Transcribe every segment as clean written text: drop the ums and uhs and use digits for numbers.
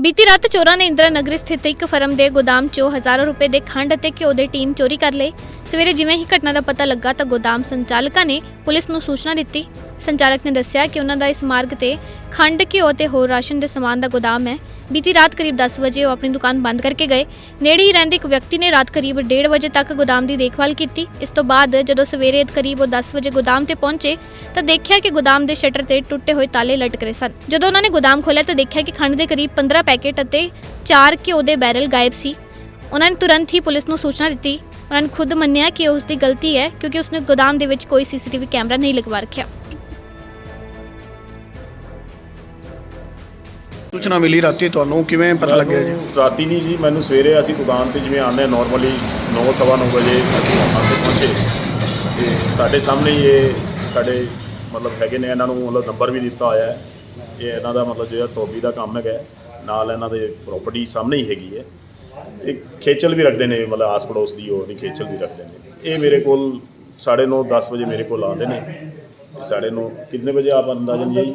बीती रात चोरों ने इंदिरा नगर स्थित एक फर्म के गोदाम चों हज़ारों रुपए के खंड ਅਤੇ ਘਿਓ ਦੇ ਟੀਨ ਚੋਰੀ ਕਰ ਲਏ। ਸਵੇਰੇ ਜਿਵੇਂ ਹੀ ਘਟਨਾ ਦਾ ਪਤਾ ਲੱਗਾ ਤਾਂ ਗੋਦਾਮ ਸੰਚਾਲਕਾਂ ਨੇ ਪੁਲਿਸ ਨੂੰ ਸੂਚਨਾ ਦਿੱਤੀ। ਸੰਚਾਲਕ ਨੇ ਦੱਸਿਆ ਕਿ ਉਹਨਾਂ ਦਾ ਇਸ ਮਾਰਗ ਤੇ ਖੰਡ ਘਿਓ ਤੇ ਹੋਰ ਰਾਸ਼ਨ ਦੇ ਸਮਾਨ ਦਾ ਗੋਦਾਮ ਹੈ। बीती रात करीब 10 बजे वो अपनी दुकान बंद करके गए। नेड़े ही रहंदे एक व्यक्ति ने रात करीब 1:30 बजे तक गोदाम की देखभाल की। इस तो बाद जदों सवेरे करीब वो 10 बजे गोदाम ते पहुंचे तो देखा कि गोदाम के शटर ते टुटे हुए ताले लटक रहे सन। जदों उन्होंने गोदाम खोलिया तो देखा कि खंड के करीब 15 पैकेट अते 4 घिओ के बैरल गायब सी। उन्होंने तुरंत ही पुलिस नूं सूचना दी। उन्होंने खुद मन्निया कि उसकी गलती है क्योंकि उसने गोदाम के विच कोई CCTV कैमरा नहीं लगवा रखा। सूचना मिली राती ਤੁਹਾਨੂੰ ਕਿਵੇਂ ਪਤਾ ਲੱਗਿਆ ਜੀ? ਰਾਤੀ ਨਹੀਂ ਜੀ, ਮੈਨੂੰ ਸਵੇਰੇ ਅਸੀਂ ਦੁਕਾਨ ਤੇ ਜਿਵੇਂ ਆਉਂਦੇ ਨੋਰਮਲੀ 9:15 ਵਜੇ ਅਸੀਂ ਦੁਕਾਨ ਤੇ ਪਹੁੰਚੇ ਤੇ ਸਾਡੇ ਸਾਹਮਣੇ ਹੀ ਇਹ ਸਾਡੇ ਮਤਲਬ ਹੈਗੇ ਨੇ, ਇਹਨਾਂ ਨੂੰ ਮਤਲਬ ਨੰਬਰ ਵੀ ਦਿੱਤਾ ਹੋਇਆ ਹੈ। ਇਹ ਇਹਨਾਂ ਦਾ ਮਤਲਬ ਜਿਹੜਾ ਧੋਬੀ ਦਾ ਕੰਮ ਹੈਗਾ, ਨਾਲ ਇਹਨਾਂ ਦੇ ਪ੍ਰੋਪਰਟੀ ਸਾਹਮਣੇ ਹੀ ਹੈਗੀ ਹੈ। ਤੇ ਖੇਚਲ ਵੀ ਰੱਖਦੇ ਨੇ, ਮਤਲਬ ਆਸ ਪੜੋਸ ਦੀ ਹੋਰ ਨਹੀਂ ਖੇਚਲ ਵੀ ਰੱਖਦੇ ਨੇ। ਇਹ ਮੇਰੇ ਕੋਲ 9:30 10 ਵਜੇ ਮੇਰੇ ਕੋਲ ਆਉਂਦੇ ਨੇ। 9:30 ਕਿੰਨੇ ਵਜੇ ਆਪ ਅੰਦਾਜ਼ਨ ਜੀ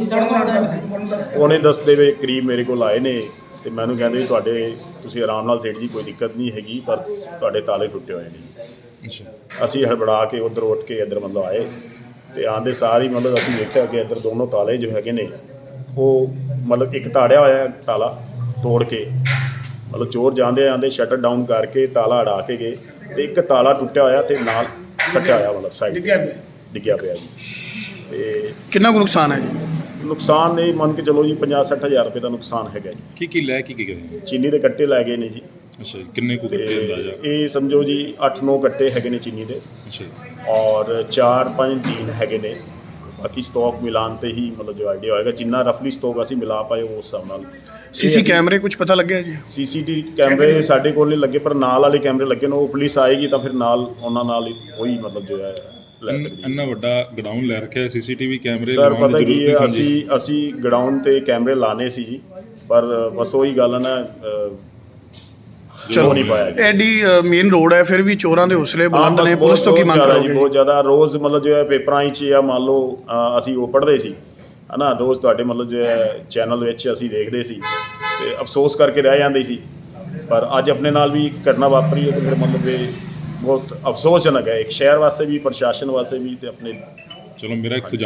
9:45 ਦੇ ਵੇ ਕਰੀਬ ਮੇਰੇ ਕੋਲ ਆਏ ਨੇ ਤੇ ਮੈਨੂੰ ਕਹਿੰਦੇ ਵੀ ਤੁਹਾਡੇ ਤੁਸੀਂ ਆਰਾਮ ਨਾਲ ਸੇਠ ਜੀ ਕੋਈ ਦਿੱਕਤ ਨਹੀਂ ਹੈਗੀ, ਪਰ ਤੁਹਾਡੇ ਤਾਲੇ ਟੁੱਟੇ ਹੋਏ ਨੇ। ਅਸੀਂ ਹੜਬੜਾ ਕੇ ਉੱਧਰ ਉੱਠ ਕੇ ਇੱਧਰ ਮਤਲਬ ਆਏ ਤੇ ਆਉਂਦੇ ਸਾਰ ਹੀ ਮਤਲਬ ਅਸੀਂ ਦੇਖਿਆ ਕਿ ਇੱਧਰ ਦੋਨੋਂ ਤਾਲੇ ਜੋ ਹੈਗੇ ਨੇ ਉਹ ਮਤਲਬ ਇੱਕ ਤਾੜਿਆ ਹੋਇਆ ਤਾਲਾ ਤੋੜ ਕੇ, ਮਤਲਬ ਚੋਰ ਜਾਂਦੇ ਆਉਂਦੇ ਸ਼ਟਰ ਡਾਊਨ ਕਰਕੇ ਤਾਲਾ ਅੜਾ ਕੇ ਗਏ ਤੇ ਇੱਕ ਤਾਲਾ ਟੁੱਟਿਆ ਹੋਇਆ ਤੇ ਨਾਲ ਸੱਟਿਆ ਹੋਇਆ, ਮਤਲਬ ਸਾਈਡ ਡਿੱਗਿਆ ਪਿਆ ਜੀ। ਤੇ ਕਿੰਨਾ ਕੁ ਨੁਕਸਾਨ ਹੈ ਜੀ? ਨੁਕਸਾਨ ਇਹ ਮੰਨ ਕੇ ਚਲੋ ਜੀ 50-60 ਹਜ਼ਾਰ ਰੁਪਏ ਦਾ ਨੁਕਸਾਨ ਹੈਗਾ ਜੀ। ਕੀ ਲੈ ਕੇ ਗਏ? ਚੀਨੀ ਦੇ ਕੱਟੇ ਲੈ ਗਏ ਨੇ ਜੀ। ਅੱਛਾ, ਕਿੰਨੇ ਕੁ ਕੱਟੇ ਅੰਦਾਜ਼ਾ? ਇਹ ਸਮਝੋ ਜੀ 8-9 ਕੱਟੇ ਹੈਗੇ ਨੇ ਚੀਨੀ ਦੇ। ਅੱਛਾ, ਔਰ 4-5 ਟੀਨ ਹੈਗੇ ਨੇ। ਬਾਕੀ ਸਟਾਕ ਮਿਲਾਨ ਤੇ ਹੀ ਮਤਲਬ ਜੋ ਆਈਡੀਆ ਹੋਏਗਾ, ਜਿੰਨਾ ਰਫਲੀ ਸਟਾਕ ਅਸੀਂ ਮਿਲਾ ਪਾਏ ਉਸ ਹਿਸਾਬ ਨਾਲ। ਸੀਸੀ ਕੈਮਰੇ ਕੁਝ ਪਤਾ ਲੱਗਿਆ ਜੀ? CCTV ਕੈਮਰੇ ਸਾਡੇ ਕੋਲ ਨਹੀਂ ਲੱਗੇ, ਪਰ ਨਾਲ ਵਾਲੇ ਕੈਮਰੇ ਲੱਗੇ ਨੇ। ਉਹ ਪੁਲਿਸ ਆਏਗੀ ਤਾਂ ਫਿਰ ਨਾਲ ਉਹਨਾਂ ਨਾਲ ਉਹੀ ਮਤਲਬ ਜੋ ਹੈ ਲੈ ਸਕਦੀ। ਇੰਨਾ ਵੱਡਾ ਗਡਾਊਨ ਲੈ ਰੱਖਿਆ, CCTV ਕੈਮਰੇ ਸਰ ਲਗਾਉਣ ਪਤਾ ਦੀ ਕੀ ਜ਼ਰੂਰਤ ਹੈ, ਨਹੀਂ ਹੁੰਦੀ। ਅਸੀਂ ਗਰਾਊਂਡ ਤੇ ਕੈਮਰੇ ਲਾਣੇ ਸੀ ਜੀ, ਪਰ ਬਸ ਉਹੀ ਗੱਲ ਨਾ ਚਲੋ ਨਹੀਂ ਪਾਇਆ ਜੀ। ਐਡੀ ਮੇਨ ਰੋਡ ਹੈ, ਫਿਰ ਵੀ ਚੋਰਾਂ ਦੇ ਹੌਸਲੇ ਬੁਲੰਦ ਨੇ। ਪੁਲਿਸ ਤੋਂ ਕੀ ਮੰਗ ਕਰੋਗੇ? ਬਹੁਤ ਜ਼ਿਆਦਾ ਰੋਜ਼ ਮਤਲਬ ਜੋ ਹੈ ਪੇਪਰਾਂ 'ਚ ਜਾਂ ਮੰਨ ਲਓ ਅਸੀਂ ਉਹ ਪੜ੍ਹਦੇ ਸੀ ਹੈ ਨਾ, ਰੋਜ਼ ਤੁਹਾਡੇ ਮਤਲਬ ਜੋ ਹੈ ਚੈਨਲ ਵਿੱਚ ਅਸੀਂ ਦੇਖਦੇ ਸੀ ਤੇ ਅਫਸੋਸ ਕਰਕੇ ਰਹਿ ਜਾਂਦੇ ਸੀ। ਪਰ ਅੱਜ ਆਪਣੇ ਨਾਲ ਵੀ ਘਟਨਾ ਵਾਪਰੀ ਹੈ ਤੇ ਫਿਰ ਮਤਲਬ ਇਹ ਬਹੁਤ ਅਫਸੋਸਜਨਕ ਹੈ, ਇੱਕ ਸ਼ਹਿਰ ਵਾਸਤੇ ਵੀ, ਪ੍ਰਸ਼ਾਸਨ ਵਾਸਤੇ ਵੀ ਤੇ ਆਪਣੇ। ਚਲੋ ਮੇਰਾ ਇੱਕ ਸੁਝਾਅ